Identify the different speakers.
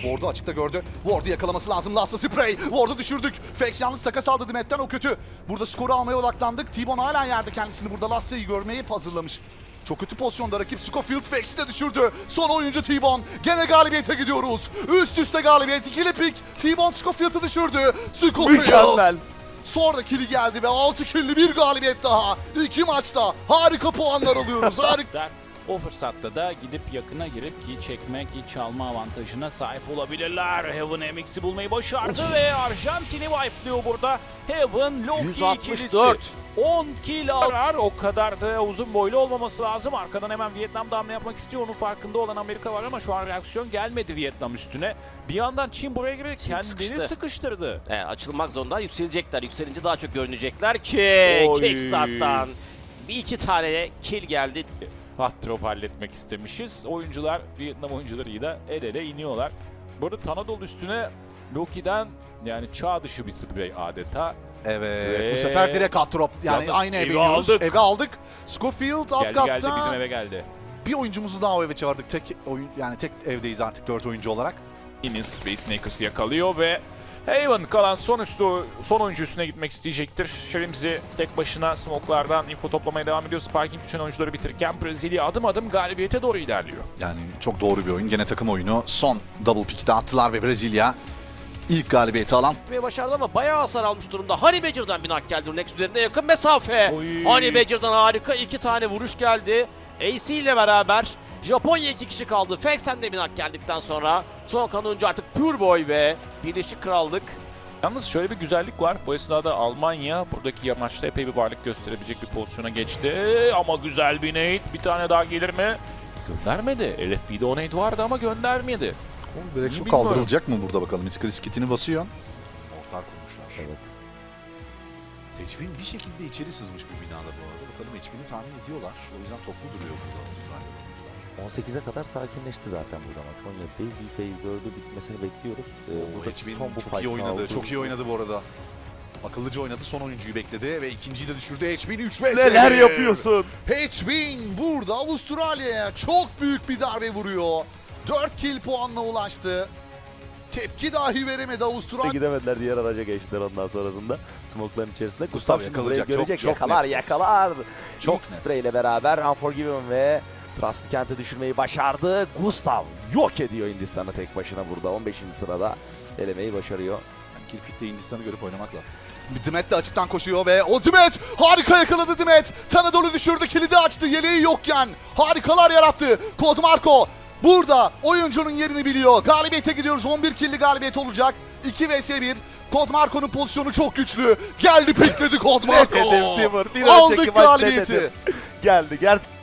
Speaker 1: Ward'u açıkta gördü. Ward'u yakalaması lazım. Lassa spray. Ward'u düşürdük. Fex yalnız takas aldı Dimet'ten, o kötü. Burada skoru almaya odaklandık. T-Bone hala yerde, kendisini burada Lassa'yı görmeyi hazırlamış. Çok kötü pozisyonda rakip Scofield. Fex'i de düşürdü. Son oyuncu T-Bone. Gene galibiyete gidiyoruz. Üst üste galibiyet. İkili pik. T-Bone Scofield'ı düşürdü. Scofield.
Speaker 2: Mükemmel.
Speaker 1: Sonra kili geldi ve 6 killi bir galibiyet daha. 2 maçta harika puanlar alıyoruz. Harika.
Speaker 3: O fırsatta da gidip yakına girip ki çekme ki çalma avantajına sahip olabilirler. Heaven MX'i bulmayı başardı ve Arjantin'i wipe'lıyor burada. Heaven, Loki
Speaker 2: 164.
Speaker 3: ikilisi. 10 kill arar. O kadar da uzun boylu olmaması lazım. Arkadan hemen Vietnam da hamle yapmak istiyor. Onun farkında olan Amerika var ama şu an reaksiyon gelmedi Vietnam üstüne. Bir yandan Çin buraya girerek kendini sıkıştırdı.
Speaker 2: Açılmak zorunda, yükselecekler. Yükselince daha çok görünecekler ki
Speaker 3: Oy.
Speaker 2: Kickstart'tan bir iki tane kill geldi.
Speaker 3: Hot drop halletmek istemişiz. Oyuncular, Vietnam oyuncularıyla el ele iniyorlar. Burada Tanadol üstüne Loki'den yani çağ dışı bir sprey adeta.
Speaker 1: Evet,
Speaker 3: Ve
Speaker 1: bu sefer direkt hot drop. Yani
Speaker 3: yalnız
Speaker 1: aynı eve
Speaker 3: evi
Speaker 1: iniyoruz.
Speaker 3: aldık.
Speaker 1: Eve aldık. Scofield alt
Speaker 3: Geldi
Speaker 1: katta.
Speaker 3: geldi bizim eve geldi.
Speaker 1: Bir oyuncumuzu daha o eve çağırdık. Tek oyun, yani tek evdeyiz artık 4 oyuncu olarak.
Speaker 3: Inin Space Snakers'ı yakalıyor ve Haven kalan son oyuncu üstüne gitmek isteyecektir. Shrims'i tek başına smoke'lardan info toplamaya devam ediyor. Sparking düşen oyuncuları bitirirken Brezilya adım adım galibiyete doğru ilerliyor.
Speaker 1: Yani çok doğru bir oyun. Gene takım oyunu. Son double pick'te attılar ve Brezilya ilk galibiyeti alan.
Speaker 2: Ve başardı ama bayağı hasar almış durumda. Honey Badger'dan bir nak geldi. Nex üzerinde yakın mesafe.
Speaker 3: Oy.
Speaker 2: Honey Badger'dan harika 2 tane vuruş geldi. AC ile beraber Japonya 2 kişi kaldı. Fex'ten de bir nak geldikten sonra son kanuncu artık Pure Boy ve Birleşik Krallık.
Speaker 3: Yalnız şöyle bir güzellik var. Bu esnada Almanya buradaki maçta epey bir varlık gösterebilecek bir pozisyona geçti. Ama güzel bir nade. Bir tane daha gelir mi? Göndermedi. LFB'de o nade vardı ama göndermedi.
Speaker 1: Brexo
Speaker 3: bilmiyorum.
Speaker 1: kaldırılacak mı burada bakalım. Iskaris kitini basıyor. Mortar kurmuşlar.
Speaker 2: Evet.
Speaker 1: HP'nin bir şekilde içeri sızmış bu binada bu arada. Bakalım HP'ni tahmin ediyorlar. O yüzden toplu duruyor burada Avustralya oyuncular.
Speaker 4: 18'e kadar sakinleşti zaten burada maç. 17'deyiz. Bir phase 4'ü bitmesini bekliyoruz. Burada
Speaker 1: HP'nin
Speaker 4: son bu
Speaker 1: çok iyi
Speaker 4: fight'ın
Speaker 1: oynadı.
Speaker 4: aldığı-
Speaker 1: Çok iyi oynadı bu arada. Akıllıca oynadı. Son oyuncuyu bekledi ve ikinciyi de düşürdü. HP'nin 3 vs.
Speaker 4: Neler yapıyorsun?
Speaker 1: HP'nin burada Avustralya'ya çok büyük bir darbe vuruyor. 4 kill puanla ulaştı. Tepki dahi veremedi Avustralya.
Speaker 4: Gidemediler, diğer araca geçtiler ondan sonrasında. Smoke'ların içerisinde. Gustav şimdi burayı
Speaker 1: yakalayacak.
Speaker 4: görecek.
Speaker 1: Çok
Speaker 4: yakalar
Speaker 1: net.
Speaker 4: yakalar.
Speaker 1: Çok
Speaker 4: İlk
Speaker 1: net.
Speaker 4: sprey ile beraber Unforgiven ve Trust'ı kente düşürmeyi başardı. Gustav yok ediyor Hindistan'ı tek başına burada. 15. sırada elemeyi başarıyor.
Speaker 1: Kill Fit'te Hindistan'ı görüp oynamakla. Dimet de açıktan koşuyor ve o Dimet harika yakaladı Dimet. Tanadol'u düşürdü, kilidi açtı yeleği yokken. Harikalar yarattı. Kod Marco burada oyuncunun yerini biliyor. Galibiyete gidiyoruz. 11 killi galibiyet olacak. 2 vs 1. Kod Marco'nun pozisyonu çok güçlü. Geldi pikledi Kod Marco.
Speaker 4: Net hedef Timur. Bir önceki
Speaker 1: Aldık
Speaker 4: maç net
Speaker 1: galibiyeti.
Speaker 4: hedef. Geldi.